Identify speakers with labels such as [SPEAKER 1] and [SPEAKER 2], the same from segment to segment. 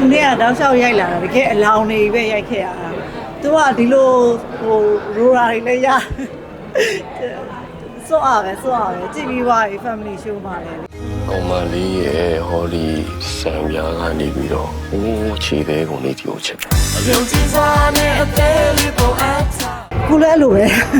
[SPEAKER 1] နေ့ကတောက်လျှောက်ရိုက်လာတာတကယ်အလောင်းနေပဲရိုက်ခဲ့ရတာသူကဒီလိုဟိုရိုရာတွေလည်းရစောအားပဲကြည့်ပြီးသွားပြီ family show မှာလည်း
[SPEAKER 2] ကောင်မလေးရဲ့ဟောဒီစံပြားကနေပြီးတော့ဟိုးခြေသေးကုန်လေးဒီကိုချက်
[SPEAKER 1] ကိုလည်းလို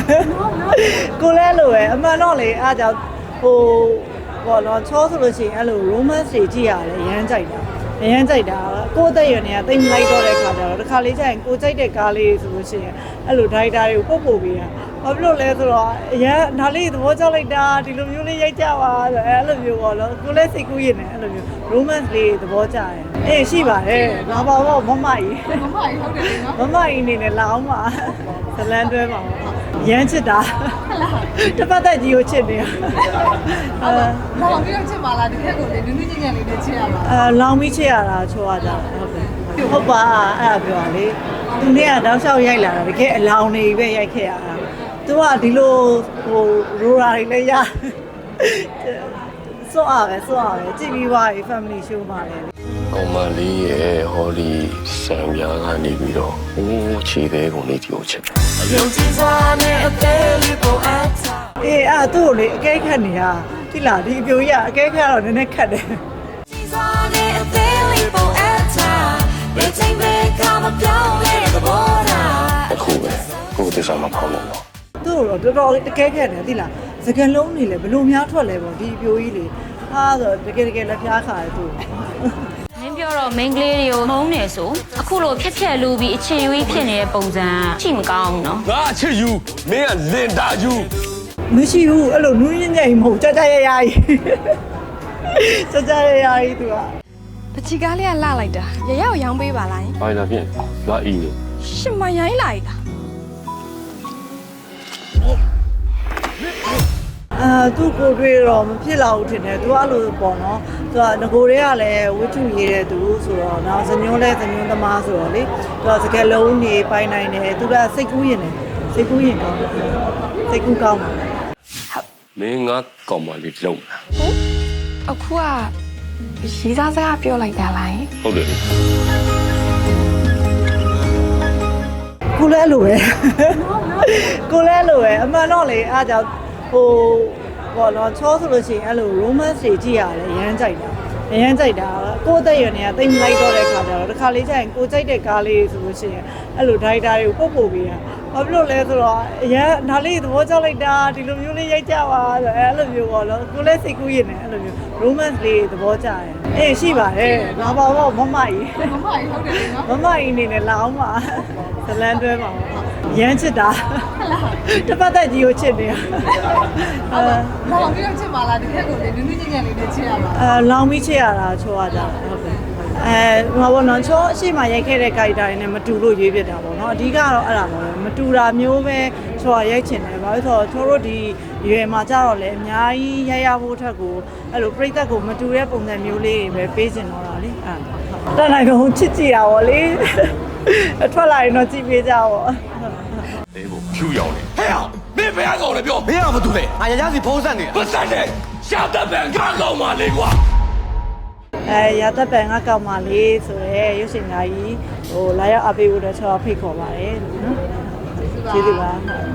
[SPEAKER 1] ပဲအမှန်တော့လေအားကြောင့်ဟိုဘောတော့ချောဆိုလို့ရှိရင်အဲ့လို romance တွေကြည့်ရတယ်အရမ်းကြိုက်တာကိုယ်သက်ရွယ်နေကတိတ်မလိုက်တော့တဲ့ခါကျတော့တစ်ခါလေးကျရင်ကိုကြိုက်တဲ့ကားလေးဆိုလို့ရှိရင်အဲ့လိုဒိုက်တာတွေကိုပို့ပေးတာဘာဖြစ်လို့လဲဆိုတော့အရန်ဒါလေးသဘောကျလိုက်တာဒီလိုမျိုးလေးရိုက်ကြပါဆိုအဲ့လိုမျိုးပေါ့နော်ကိုလည်းစိတ်ကူးရင်လည်းအဲ့လိုမျိုး romance လေးသဘောကျတယ်အေးရှိပါတယ်ငါပါတော့မမကြီးဟုတ်တယ်နော်မမကြီးအနေနဲ့လာအောင်ပါဇလန်းတွဲပါရမ်းချစ်တာတစ်ပတ်သက်ကြီးကိုချစ်နေတာ
[SPEAKER 3] လောင်ပြီးတော့ချစ်ပါလားဒီခက်ကိုလေနူးနူးညံ့ညံ့လေးနဲ့ချစ်ရပါ
[SPEAKER 1] လောင်ပြီးချစ်ရတာချောရကြဟုတ်ပါအဲ့ဒါပြောတာလေသူနေ့ကတောက်လျှောက်ရိုက်လာတာတကယ်အလောင်းနေပဲရိုက်ခဲ့ရတာသူကဒီလိုဟိုရိုရာတွေလည်းရစောအားပဲကြည့်ပြီးသွားပြီ family show မှာလည်း
[SPEAKER 2] ကောင်မလေးရဲ့ဟောဒီစံပြားကနေပြီးတော့ဟိုးခြေသေးကုန်လေးဒီကိုချက်
[SPEAKER 1] အေးအဲ့သူ့ကိုလေအကဲခတ်နေတာတိလာဒီအပြိုကြီးကအကဲခတ်တော့နည်းနည်းခတ်တယ်
[SPEAKER 2] အခုပဲကိုယ်တစ္ဆာမဖောက်လို့
[SPEAKER 1] သူ့တော့တော်တော်လေးအကဲခတ်တယ်တိလာစကလုံးနေလေဘလို့များထွက်လဲပေါ့ဒီအပြိုကြီးလေဟာဆိုတကယ်လက်ဖျားခါတယ်သူ
[SPEAKER 4] မင်းပြောတော့ main ကလေးတွေကိုမုန်းနေဆိုအခုလိုဖြက်လူပြီးအခြေရွေးဖြစ်နေတဲ့ပုံစံချိမကောင်းဘူးနော်
[SPEAKER 2] ငါအချစ်ယူမင်းကလင်တာယူ
[SPEAKER 1] မရှိဘူးအဲ့လိုနူးညံ့ညံ့မဟုတ်ကြကြရရကြီးသူက
[SPEAKER 3] ပချီကားလေးကလှလိုက်တာရရကိုရောင်းပေးပါလား
[SPEAKER 2] ဘာလာဖြင့်လာအီနေ
[SPEAKER 3] ရှင်မရိုင်းလိုက်တာ
[SPEAKER 1] သူ့ကိုတွေ့တော့မဖြစ်လာဘူးထင်တယ်သူကအဲ့လိုပေါ့နော်သူကငကိုတွေကလည်းဝိထုရေးတဲ့သူဆိုတော့နောက်ဇညွန်းသမားဆိုတော့လေသူကစကလုံးနေပိုင်နိုင်တယ်သူကစိတ်ကူးရင်ကောင်းတယ်စိတ်ကူးကောင်းတယ်
[SPEAKER 2] မင်းငါကောင်မလေးလုံးလား
[SPEAKER 3] အခုကရီးစားစကားပြောလိုက်တာလား
[SPEAKER 2] ဟုတ်တယ်
[SPEAKER 1] ကိုလည်းလိုပဲအမှန်တော့လေအားကြောင့်ဟိုဘောတော့ချောဆိုလို့ရှိရင်အဲ့လို romance တွေကြည့်ရတယ်အရမ်းကြိုက်တာကိုယ်သက်ရွယ်နေကတိတ်မလိုက်တော့တဲ့ခါကျတော့တစ်ခါလေးကျရင်ကိုကြိုက်တဲ့ကားလေးဆိုလို့ရှိရင်အဲ့လိုဒိုက်တာတွေကိုပို့ပေးတာဘာဖြစ်လို့လဲဆိုတော့အရန်ဒါလေးသဘောကျလိုက်တာဒီလိုမျိုးလေးရိုက်ကြပါဆိုအဲ့လိုမျိုးပေါ့နော်ကိုလည်းစိတ်ကူးရင်လည်းအဲ့လိုမျိုး romance လေးသဘောကျတယ်အေးရှိပါတယ်ငါပါတော့မမကြီး
[SPEAKER 3] ဟုတ်တယ်နော်
[SPEAKER 1] မမကြီးအနေနဲ့လာအောင်ပါဇလန်းတွဲပါရမ်းချစ်တာတစ်ပတ်သက်ကြီးကိုချစ်နေတာ
[SPEAKER 3] လောင်ပြီးတော့ချစ်ပါလားဒီခက်ကိုလေနူးနူးညံ့ညံ့လေးနဲ့ချစ်ရပါ
[SPEAKER 1] လောင်ပြီးချစ်ရတာချောရကြဟုတ်တယ်ဟိုဘောနော်ချောအရှိမရိုက်ခဲ့တဲ့ character တွေနဲ့မတူလို့ရွေးပြတာပေါ့နော်အဓိကတော့အဲ့ဒါပါပဲမတူတာမျိုးပဲချောရိုက်ချင်တယ်ဘာလို့ဆိုတော့ချောတို့ဒီရွယ်မှာကြတော့လေအများကြီးရိုက်ရဖို့ထက်ကိုအဲ့လိုပြိသက်ကိုမတူတဲ့ပုံစံမျိုးလေးတွေပဲပေးချင်တော့တာလေအဲ့တန်နိုင်ကုန်ချစ်ကြည့်တာပေါ့လေထွက်လာရင်တော့ကြည့်ပေးကြပေါ့
[SPEAKER 2] အေးကိုဖြူရောင်နေဟဲ့အောင်မင်းဘယ်ကောင်လဲပြော
[SPEAKER 5] မင်းကမတူနဲ့ငါရရစီဖုံးဆက်နေတာ
[SPEAKER 2] ပတ်ဆက်တယ်ရှာတတ်ပံငါကောင်မလေးကွာ
[SPEAKER 1] ရတတ်ပံငါကောင်မလေးဆိုရဲရုပ်ရှင်သားကြီးဟိုလာရောက်အပေးဖို့တော့ချောဖိတ်ခေါ်ပါတယ်နော်ကျေးဇူးပါ